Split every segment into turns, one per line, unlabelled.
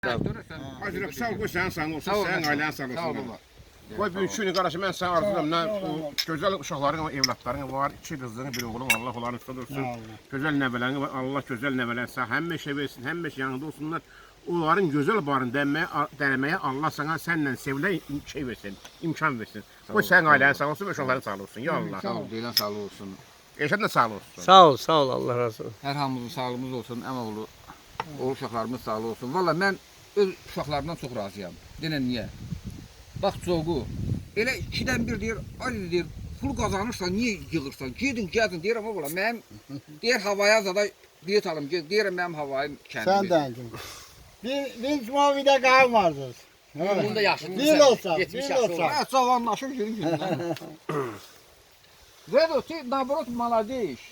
Hacı sağ ol, qoy sənin sağ olsun, sənin ailənin sağ olsun. Qoy bugünkü günü qardaşı, mən sənə arzulayıram. O gözəl uşaqların, evlatların var, 2 qızların, bir oğlun, Allah onların üstə dursun. Gözəl nəvələrin var, Allah gözəl nəvələr sağ, həmişə versin, həmişə yanında olsunlar. Onların gözəl barını dənməyə Allah sana sənlə sevilə şey versin, imkan versin. Qoy sənin ailənin sağ olsun, uşaqların sağ olsun. Ya Allah.
Sağ ol, deyilən sağ olsun.
Eşən də sağ olsun.
Sağ ol, Allah razı olsun.
Hər hamımızın sağlığımız olsun, əmoğlu, oğul uşaqlarımız sağlığı olsun. Valla mən öz uşaqlarımdan çox razıyam. Denən niyə? Bax çoğu, elə 2-dən 1 deyir, Ali deyir, pul qazanırsan, niyə yığırsan? Gedin, gəzin, deyirəm o qala. Mənim, deyir, havaya zada bilet alım, deyirəm mənim havayım kəndimi.
Sən dəncim. Bir mavidə qan vardır.
Bunda yaşlıdır.
Bir olsa,
Geçmiş
bir
yaşlı
olsa.
Hə, cavanlaşır günün gündən. Vedo, ты наоборот молодеешь.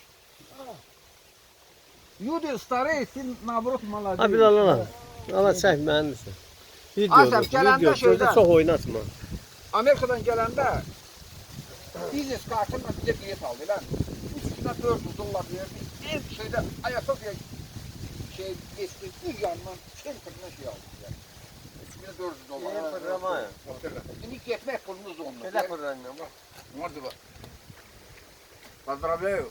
Люди старые, ты наоборot молодеешь.
Ha bir Allah. Allah çək mənimsən.
Asaf, gələndə şeydən.
Çox oynatma.
Amerikadan gələndə biznes kartımla bizə bilet aldı lan. 3 400 dollar verdi. En şeydə Ayasofya şey geçti, bir yandan center'ına şey aldı. Yani. 3400 dollar. Şimdi getmək pulunuz onunla.
Belə fırlanma bax.
Nerede bak? Поздравляю.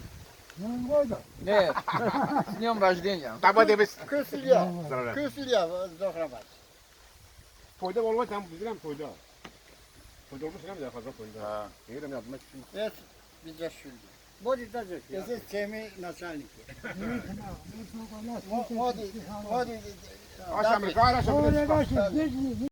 Нет, с днем рождения.
Daba demiş.
Küsülüyor. Küsülüyor. Zohrabat.
Toyda olma sen bilirəm toyda. Toyda olmuş nə qədər fazla toyda. Ha. Deyirəm yadıma düşün.
Evet. Bizə şüldü. Bodi da zök. Ese çemi начальники. Modi.
Aşağı Amerika, aşağı Amerika.